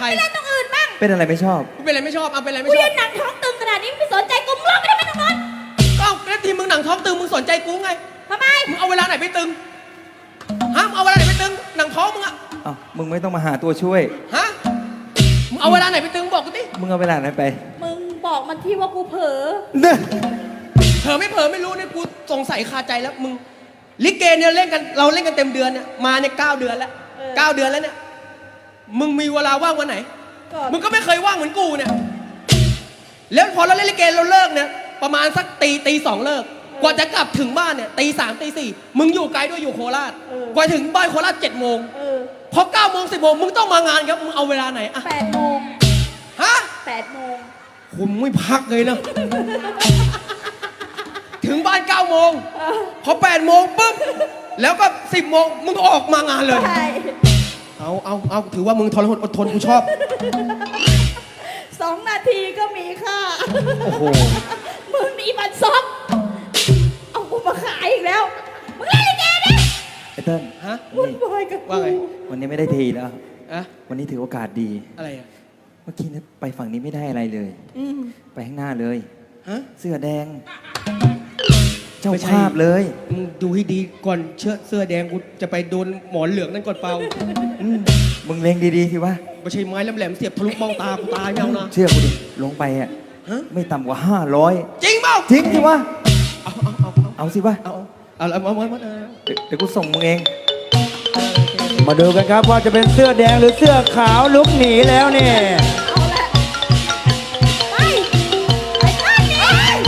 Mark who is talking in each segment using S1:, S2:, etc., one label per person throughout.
S1: รเล่นตรงอื่นบ้าง
S2: เป็นอะไรไม่ชอบ
S1: เป็นอะไรไม่ชอบเอาเป็นอะไรไม่
S3: กู
S1: ชอ
S3: ยื
S1: บ
S3: นหนังท้องตึงขนาดนี้ไม่สนใจกูมึงร้องไปทำไมตรงนั้น
S1: ก็แล้วทีมึงหนังท้องตึงมึงสนใจกูไง
S3: ทำไม
S1: มึงเอาเวลาไหนไปตึงฮะมึงเอาเวลาไหนไปตึงหนังท้องมึงอะ
S2: อ้าวมึงไม่ต้องมาหาตัวช่วย
S1: ฮะมึงเอาเวลาไหนไปตึงบอกกูดิ
S2: มึงเอาเวลาไหนไป
S3: มึงบอกมันที่ว่ากูเผลอ
S2: เนี่ย
S1: เผลอไม่รู้เนี่ยกูสงสัยคาใจแล้วมึงลิเกเนี่ยเล่นกันเราเล่นกันเต็มเดือนเนี่ยมาเนี่ย9 เดือนแล้ว9 เดือนแล้วเนี่ยมึงมีเวลาว่างวันไหนมึงก็ไม่เคยว่างเหมือนกูเนี่ยแล้วพอเราเล่นลิเกเราเลิกเนี่ยประมาณสักตี 2เลิกกว่าจะกลับถึงบ้านเนี่ยตี 3ตี 4มึงอยู่ไกลด้วยอยู่โคราชกว่าถึงบ้านโคราช7 โมงพอ9 โมง10 โมงมึงต้องมางานครับมึงเอาเวลาไหนอะ
S3: 8 โมง
S1: ฮะ
S3: 8 โมง
S1: คุณไม่พักเลยนะ ถึงบ้าน9 โมงพอ8 โมงปุ๊บแล้วก็10 โมงมึงออกมางานเลย
S3: ใช่
S1: เอาถือว่ามึงทรหดอดทนกูชอบ
S3: 2 นาทีก็มีค่า
S2: โอ้โห
S3: มึงมีบัตรซบเอากูมาขายอีกแล้วมึงเล่นลิเกดิ
S2: ไอ้เติ้ล
S1: ฮะ
S3: วุ่นวายกับ
S1: ว่าไง
S3: กู
S2: วันนี้ไม่ได้ทีแล้ว
S1: อะ
S2: วันนี้ถือโอกาสดี
S1: อะไรอะ
S2: เมื่อกี้นี้ไปฝั่งนี้ไม่ได้อะไรเลย ไปข้างหน้าเลย
S1: ฮะ
S2: เสื้อแดง เจ้า
S1: ไม่ใช่
S2: ภาพเลย
S1: มึงดูให้ดีก่อนเสื้อแดงกูจะไปโดนหมอนเหลืองนั่นก่อนเปล่า
S2: มึงเล็งดีๆสิวะ
S1: ไม่ใช่ไม้แหลมๆเสียบทะลุมองตากูตายไม่เอานะ
S2: เชื่อกูดิ ลงไปอ่ะ
S1: ฮะ
S2: ไม่ต่ำกว่า500
S1: จริงเปล่า
S2: จริงสิวะ
S1: เอา
S2: เอาสิวะ
S1: เอา
S2: เดี๋ยวกูส่งมึงเอง
S4: มาดูกันครับว่าจะเป็นเสื้อแดงหรือเสื้อขาวลุกหนีแล้วเนี่ย
S3: เอาละไปไปข้างนี้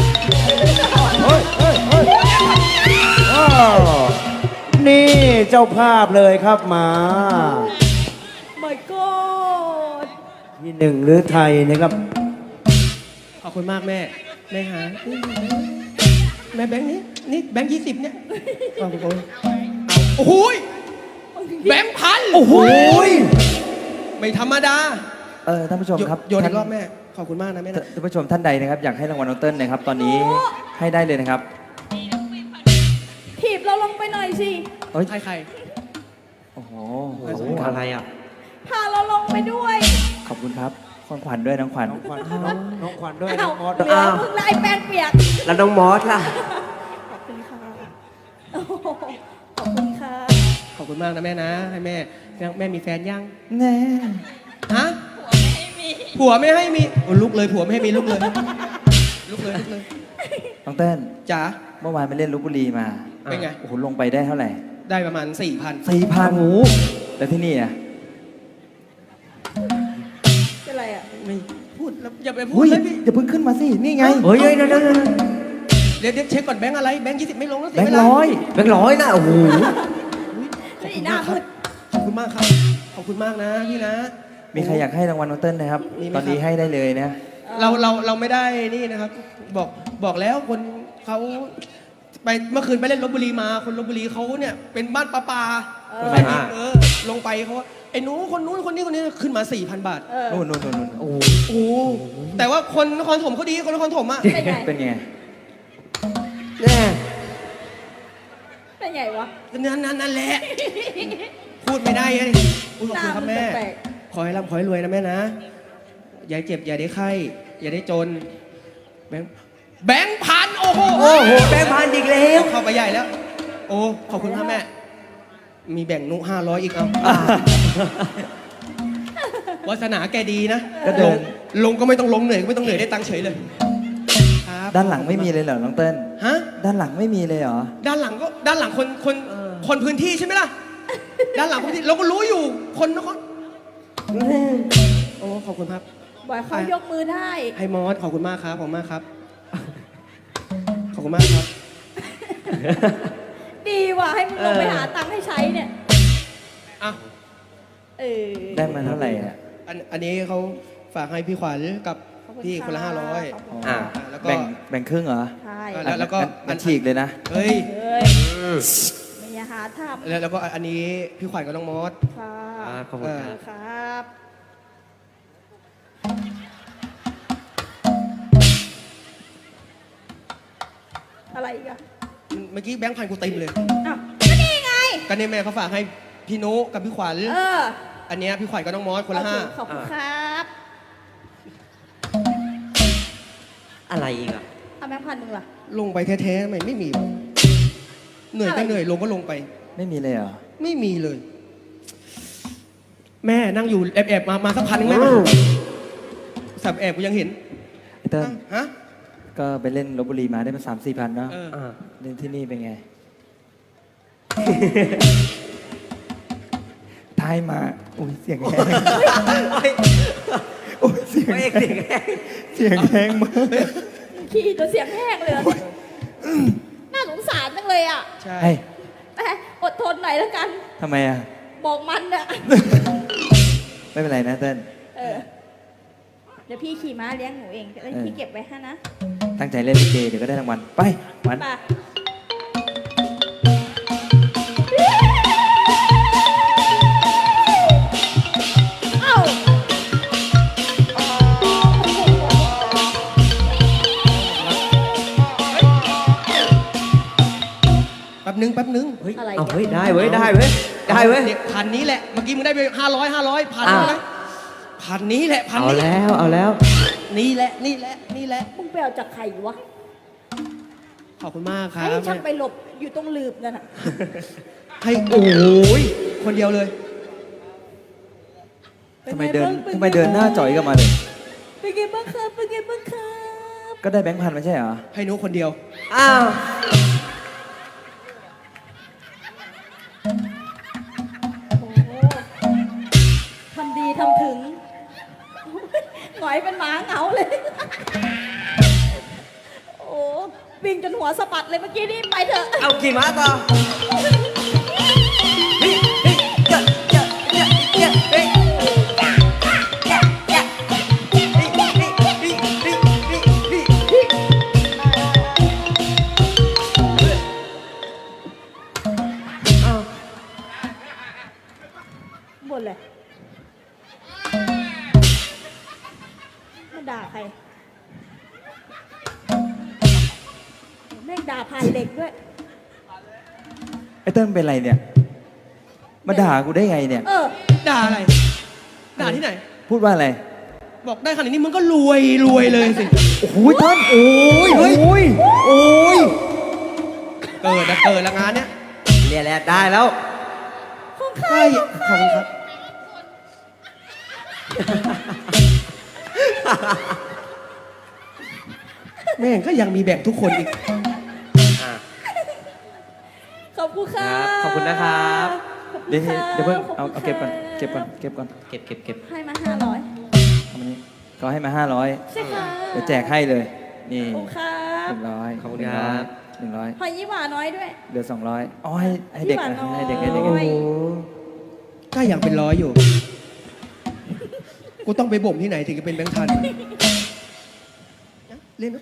S4: อ้าวนี่เจ้าภาพเลยครับมา
S3: My God
S4: ที่หนึ่งหรือไทยนะครับ
S1: ขอบคุณมากแม่หาแม่แบงค์นี้นี่แบงค์20เนี่ยขอบคุณโอ้โหแบงค์พัน
S2: โอ้โห
S1: ไม่ธรรมดา
S2: ท่านผู้ชมครับ
S1: โยนอีกรอบ
S2: ท่าน
S1: แม่ขอบคุณมากนะแม่นะ
S2: ท่านผู้ชมท่านใดนะครับอยากให้รางวัลน้องเติ้ลนะครับ ตอนนี้ให้ได้เลยนะครับ
S3: ถีบเราลงไปหน่อยสิ
S2: เอ้ย
S1: ใคร
S2: โอ้โห
S4: อะไรอ่ะ
S3: พาเราลงไปด้วย
S2: ขอบคุณครับของขวัญด้วยน้องขวัญ
S4: น้องขวัญน้องขวัญด้วย
S3: อ้า
S4: น้
S3: ว
S4: องมอส
S3: เหลือมึงลายแป้งเปียก
S4: แล้วน้องมอสล่ะ
S3: ขอบคุณค่ะโอ้โหขอบคุณค่ะ
S1: ขอบคุณมากนะแม่นะให้แม่มีแฟนยัง
S2: แน่
S1: ฮะผัวไม่ให้มีโอ้ลุกเลยผัวไม่ให้มีลุกเลยลุกเลย
S2: น้องเติ้ล
S1: จ๋า
S2: เมื่อวานไปเล่นลพบุรีมา
S1: เป็นไง
S2: โอ้โหลงไปได้เท่าไหร่
S1: ได้ประมาณ 4,000
S2: 4,000โอ้โหแล้วที่นี่อ่ะ
S3: เป็นไรอ่ะ
S1: ไม่พูดแล้วอย่าไปพูด
S2: อุ้ย
S1: เลยพี่
S2: อย่าเพิ่งขึ้นมาสินี่ไง
S4: เฮ้ยเดี๋ยว
S1: เดี๋ยวเช็คก่อนแบงค์อะไรแบงค์20ไม่ลงแล้วเสี
S2: แบ
S1: ย
S2: ง
S1: เว
S2: ค์
S1: ลา
S2: ร้อย
S4: แบงค์ร้อยนะโอ้โห
S1: ขอบคุณมากครับขอบคุณมากครับขอบคุณมากนะพี่นะ
S2: มีใครอยากให้รางวัลน้องเติ้ลนะครับ
S1: มีไหม
S2: ตอนนี้
S1: ครับ
S2: ให้ได้เลยนะ
S1: เราไม่ได้นี่นะครับ บอกแล้วคนเขาไปเมื่อคืนไปเล่นลพบุรีมาคนลพบุรีเขาเนี่ยเป็นบ้านปลาลงไปเขาว่าไอ้หนูคนนู้นคนนี้คนนี้ขึ้นมา 4,000 บาท
S2: นู่นโอ้โห
S1: โอ้แต่ว่าคนนครถมเขาดีคนนครถมอ่ะ
S3: เป็นไง
S2: เป็นไง
S4: แน่
S3: เป็นไงวะ
S1: นั่นแหละ พูดไม่ได้เลยขอบคุณครับแม่
S3: แปลก
S1: ขอให้ร่ำขอให้รวยนะแม่นะ อย่าเจ็บอย่าได้ไข้ อย่าได้จน แบงค์พันโอ้โห
S4: โอ้โหแบงค์พันอีกแล้ว
S1: เข้าไปใหญ่แล้ว โอ้ขอบคุณครับแม่ มีแบ่งนุ500อีกเอาวาสนาแกดีนะ
S2: ก็เดิน
S1: ลงก็ไม่ต้องลงเหนื่อยก็ไม่ต้องเหนื่อยได้ตังค์เฉยเลยครับ
S2: ด้านหลังไม่มีเลยเหรอน้องเติ้ล
S1: ฮะ
S2: ด้านหลังไม่มีเลยเหรอ
S1: ด้านหลังคนพื้นที่ใช่ไหมล่ะ ด้านหลังพื้นที่เราก็รู้อยู่คนนครโอ้ขอบคุณครับ
S3: ๆบอกเขายกมือได้
S1: ไฮมอสขอบคุณมากครับขอบคุณมากครับ ขอบคุณมากครับ
S3: ดีว่ะให้มึงลงไปหาตังค์ให้ใช้เนี่ย
S1: อ่ะ
S3: เออ
S2: ได้มาเท่าไหร่อ่ะ
S1: อันนี้เขาฝากให้พี่ขวัญกับ
S3: ขอบคุณ
S1: พี่คนละ
S3: ค่ะ
S1: 500
S3: ขอบคุณ
S2: อ่า
S3: ค่ะ
S1: แล้วก็
S2: แบ่งครึ่งเหรอ
S3: ใช่
S1: แล้วก็
S2: มันฉีกเลยนะ
S1: เฮ้ย
S3: เฮ้ยไม่อย่าหาทำ
S1: แล้วก็อันนี้พี่ขวัญกับน้องมอส
S3: ค่ะ
S4: ขอบคุณครับ
S3: ครับ อะไรอีกอะ
S1: เมื่อกี้แบงค์พันกูเต็มเลย
S3: อ้าวก็นี่ไง
S1: ก็เนี่ยแม่เขาฝากให้พี่นุกับพี่ขวัญ
S3: เออ
S1: อันเนี้ยพี่ขวัญกับน้องมอสคนละ
S3: โอเค
S1: ห้า
S3: ขอบคุณครับ
S5: อะไรอีกอ่ะ
S3: เอาแบงค์พันหนึ่งล่ะ
S1: ลงไปแท้ๆไม่มีวะเหนื่อยก็เหนื่อยลงก็ลงไป
S2: ไม่มีเลยเหรอ
S1: ไม่มีเลย แม่นั่งอยู่แอบมาสักพันหนึงแม่สับแอบกูยังเห็น
S2: ไอ้เติ้ล
S1: ฮะ
S2: ก็ไปเล่นลบบุรีมาได้มา3-4 พันเนาะ
S1: เออ
S2: เล่นที่นี่เป็นไง ทายมาอุ้ยเสียงแห้งอุ้ยเสียง
S5: ไม่
S2: แห้
S5: เอก
S2: ง
S5: เสียงแห้ง
S2: เสียงแห้งมาก
S3: ขี้จนเสียงแห้งเลยอะน่าสงสารจังเลยอ่ะ
S1: ใช่
S2: เฮ้ย
S3: แหมอดทนหน่อยแล้วกัน
S2: ทำไมอ่ะ
S3: บอกมันอะ
S2: ไม่เป็นไรนะเติ้ล
S3: เออ เดี๋ยวพี่ขี่ม้าเลี้ยงหนูเองแล้วพี่เก็บไว้ให้นะ
S2: ตั้งใจเล่นลิเกเดี๋ยวก็ได้รางวัลไปมัน
S3: ไปเอ้า
S1: แป๊บนึง
S5: เฮ้ย
S3: อะไร
S5: เอา
S3: เนี่ย
S5: เฮ้ย ได้เว้ย ได้เว้ย ได้เว้ย
S1: เนี่ยพันนี้แหละ เมื่อกี้มึงได้ไป500พัน
S5: อ่ะ
S1: ไหมพันนี้แหละพัน
S5: เอา
S1: นี้
S5: แล้ว เอาแล้ว
S1: นี่แหละนี่แหละนี่แหละ
S3: มึงไปเอาจากใครวะ
S1: ขอบคุณมากครั
S3: ให้
S1: บ
S3: ช่างไปหลบอยู่ตรงลืบนั่นน่ะ
S1: ให้โอ้ยคนเดียวเลย
S2: ทำไมเดินหน้าจ่อยกันมาเลย
S3: เป็นไงบ้างครับเป็นไงบ้างครับ
S2: ก็ได้แบงค์พันไม่ใช่เหรอ
S1: ให้หนูคนเดียว
S5: อ้าว
S3: โอ้โหทำดีทำถึงหงอยเป็นหมาเหงาเลย โอ้วิ่งจนหัวสะบัดเลยเมื่อกี้นี่ไปเถอะ
S5: เอาขี่ม้าต่อเฮ้ยเฮ้ยเจ้าเจ้าเจ้าเจ้าเฮ้ยเจ้าเจ้าเฮ้ยเฮ้ยเฮ้ยเฮ้ยเฮ้ยเฮ้ยเฮ้ยเอา
S3: หมดเลยมาด่าใครแม่งด่าผ่านเหล็กด้วย
S2: ไอ้เติ้ลเป็นไรเนี่ย มาด่ากูได้ไงเนี่ย
S3: เออ
S1: ด่าอะไร ด่าที่ไหน
S2: พูดว่าอะไร
S1: บอกได้ขนาดนี้มึงก็รวยเลยสิ
S2: โอ้โหเติ้ลโอ้ย
S1: เฮ้ย
S2: โอ้ยโอ้ย
S1: เกิดละงานเนี้ย
S5: เรียนแล้วได้แล้ว
S1: ใช่ขอบคุณครับ แม่งก็ยังมีแบ่งทุกคนอีก
S3: ขอบคุณค่ะ
S5: ครับขอบคุณนะครับ
S3: ขอบคุณ
S2: เดี๋ยว
S3: ค่ะ
S2: เดี๋ยวเพิ่ง
S3: ขบ
S2: เอา
S3: คุณ
S2: เก็บก่อน
S3: ค่ะ
S2: เก็บก่อนเก็บก่อน
S5: เก็บ
S3: ให้มา500
S2: เอามานี่ก็ให้มา500
S3: ใช่ค่ะ
S2: เดี๋ยวแจกให้เลย นี่
S3: ขอบคุณครับ
S2: 100
S5: ขอบคุณครับ
S2: 100
S3: หอยยี่หวาน้อยด้วย
S2: เหลือ200อ๋อให้เด็ก
S3: พี่หวานน้อย
S2: ให้เด็กให้เด็ก
S3: โอ้ย
S1: ก็ยังเป็นร้อยอยู่ กูต้องไปบ่มที่ไหนถึงจะเป็นแบงค์พันเล่นนะ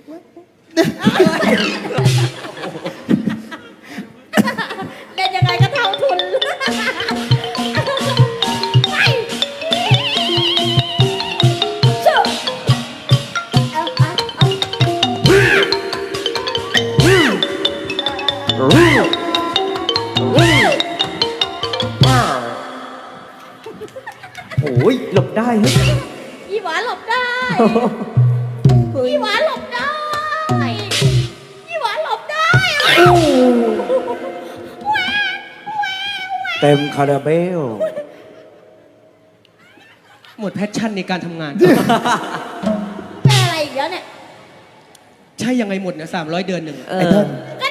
S3: เล่นยังไงก็เท่าทุนไปเชื่อเอา
S5: โอ้ยหลบได้เฮ้ย
S3: ยี่หวาหลบได้ยี่หวาหลบได้ยี่หวาหลบได้
S4: เต็มคาราเบล
S1: หมดแพชชั่นในการทำงาน
S3: แม่อะไรอีกแล้วเนี่ย
S1: ใช่ยังไงหมดเนี่ย300 เดือนหนึ่ง
S5: เอ
S2: ไอ้
S5: อ
S2: เติ้ล
S3: ก็